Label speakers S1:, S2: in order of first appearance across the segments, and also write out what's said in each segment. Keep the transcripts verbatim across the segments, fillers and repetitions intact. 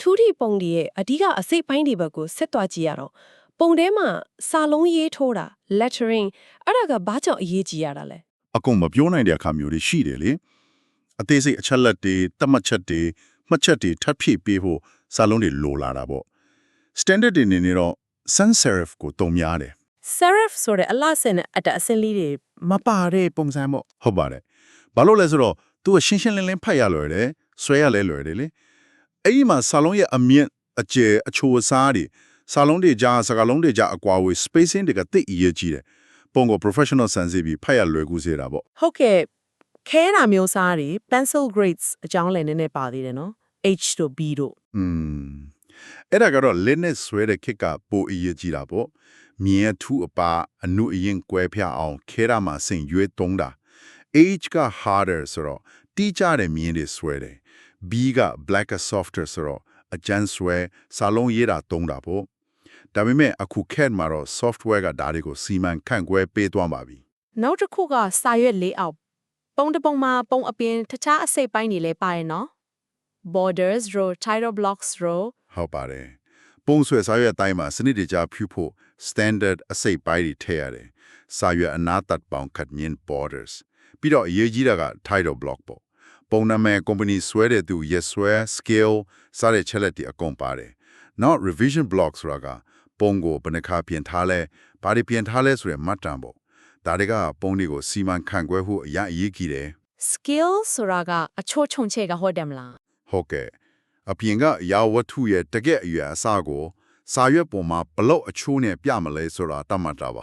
S1: ထူးထီပုံတွေရဲ့အဓိကအစိတ်ပိုင်းတွေဘက်ကိုဆက်သွားကြည့်ရတော့ပုံထဲမှာစာလုံးရေးထိုးတာ lettering အဲ့ဒါကဘာကြောင့်အရေးကြီးရတာလဲ
S2: အကုန်မပြောနိုင်တဲ့အခါမျိုးတွေရှိတယ်လေအသေးစိတ်အချက်လက်တွေတတ်မှတ်ချက်တွေမှတ်ချက်တွေထပ်ဖြည့်ပေးဖို့စာလုံးတွေလိုလာတာပေါ့ standard တွေနေနေတော့ sans serif ကိုတုံများတယ်
S1: serif ဆိုတဲ့အလှဆင်တဲ့အတအစင်းလေးတွေ
S3: မပါတဲ့ပုံစံပေါ့
S2: ဟုတ်ပါတယ်ဘာလို့လဲဆိုတော့ तू ကရှင်းရှင်းလင်းလင်းဖတ်ရလွယ်တယ်ဆွဲရလဲလွယ်တယ်လေအဲ့ဒီမှာစာလုံးရဲ့အမြင့်အကျယ်အချိုအစားတွေစာလုံးတွေကြားစကားလုံးတွေကြားအကွာဝေး spacing တွေကသိအရေးကြီးတယ်ပုံကို professional sense ပြီးဖတ်ရလွယ်ကူစေတာပေါ့
S1: ဟုတ်ကဲ့ခဲတာမျိုးစားတွေ pencil grades အကြောင်းလည်းနည်းနည်းပါသေးတယ်နော် H တို့ B တို့
S2: อืมအဲ့ဒါကတော့ Linux ဆွဲတဲ့ခက်ကပိုအရေးကြီးတာပေါ့မြင်ထူအပါအနုအရင်ကွဲပြအောင်ခဲတာမှာစင်ရွေးတုံးတာ H က harder ဆိုတော့တီးကြတဲ့မြင်တွေဆွဲတယ် B က blacker softer ဆိုတော့အကျန်းဆွဲစာလုံးရေးတာတုံးတာပေါ့ဒါပေမဲ့အခုခက်မှာတော့ software ကဒါတွေကိုစီမံခန့်ခွဲပေးသွားပါပြီ
S1: နောက်တစ်ခုကစာရွက်လေးအောက်ပုံတစ်ပုံမှာပုံအပြင်တခြားအစိတ်ပိုင်းတွေလည်းပါရနော် borders row title blocks row
S2: ဟုတ်ပါတယ်ပုံဆွဲစာရွက်အတိုင်းမှာစနစ်တကျဖြူဖို့ standard အစိတ်ပိုင်းတွေထည့်ရတယ်စာရွက်အနာတတ်ပေါင်းခတ်မြင် borders ပြီးတော့အရေးကြီးတာက title block ပေါ့ပုံနာမည် company ဆွဲတဲ့သူ yes ဆွဲ scale စတဲ့ချက်လက်တွေအကုန်ပါတယ်နောက် revision block ဆိုတာကပုံကိုဘယ်နှခါပြင်ထားလဲဘာတွေပြင်ထားလဲဆိုရယ်မှတ်တမ်းပေါ့ဒါတွေကပုံတွေကိုစီမံခန့်ခွဲဖို့အရင်အရေးကြီးတယ်
S1: skill ဆိုတာကအချို့ခြုံချဲကဟုတ်တယ်မလား
S2: ဟုတ်ကဲ့အပြင်ကရာဝတ္ထုရဲ့တကယ့်အရွယ်အစားကိုစာရွက်ပေါ်မှာဘလို့အချိုးနဲ့ပြမလဲဆိုတာတတ်မှတ်တာပါ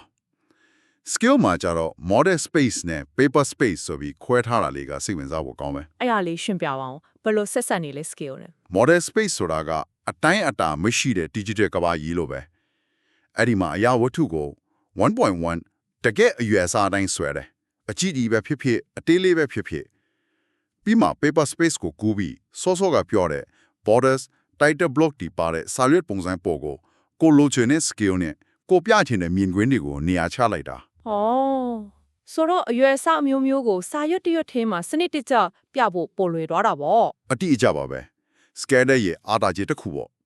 S2: skill မှာကြတော့ model space နဲ့ paper space ဆိုပြီးခွဲထားတာလေးကစိတ်ဝင်စားဖို့ကောင်းမယ်
S1: အဲ့ဒါလေးရှင်းပြပါအောင်ဘယ်လိုဆက်ဆက်နေလဲ skill နဲ့
S2: model space ဆိုတာကအတိုင်းအတာမရှိတဲ့ digital ကဘာကြီးလို့ပဲအဲ့ဒီမှာအရာဝတ္ထုကို one point one တကယ့်အရွယ်အစားအတိုင်းဆွဲတယ်အကြည့်ဒီပဲဖြစ်ဖြစ်အသေးလေးပဲဖြစ်ဖြစ်ပြီးမှ paper space ကိုကူးပြီးစောစောကပြောတဲ့ borders title block ဒီပါတဲ့စာရွက်ပုံစံပေါ်ကိုကိုလိုချင်တဲ့ scale နဲ့ကိုပြချင်တဲ့မြင်ကွင်းတွေကိုနေရာချလိုက်တာ
S1: ဩဆိုတော့အရွယ်အစားအမျိုးမျိုးကိုစာရွက်တရွက်ထဲမှာစနစ်တကျပြဖို့ပိုလွယ်သွားတာပေါ့
S2: အတိအကျပါပဲ scanner ရဲ့အားတာကြီးတစ်ခုပေါ့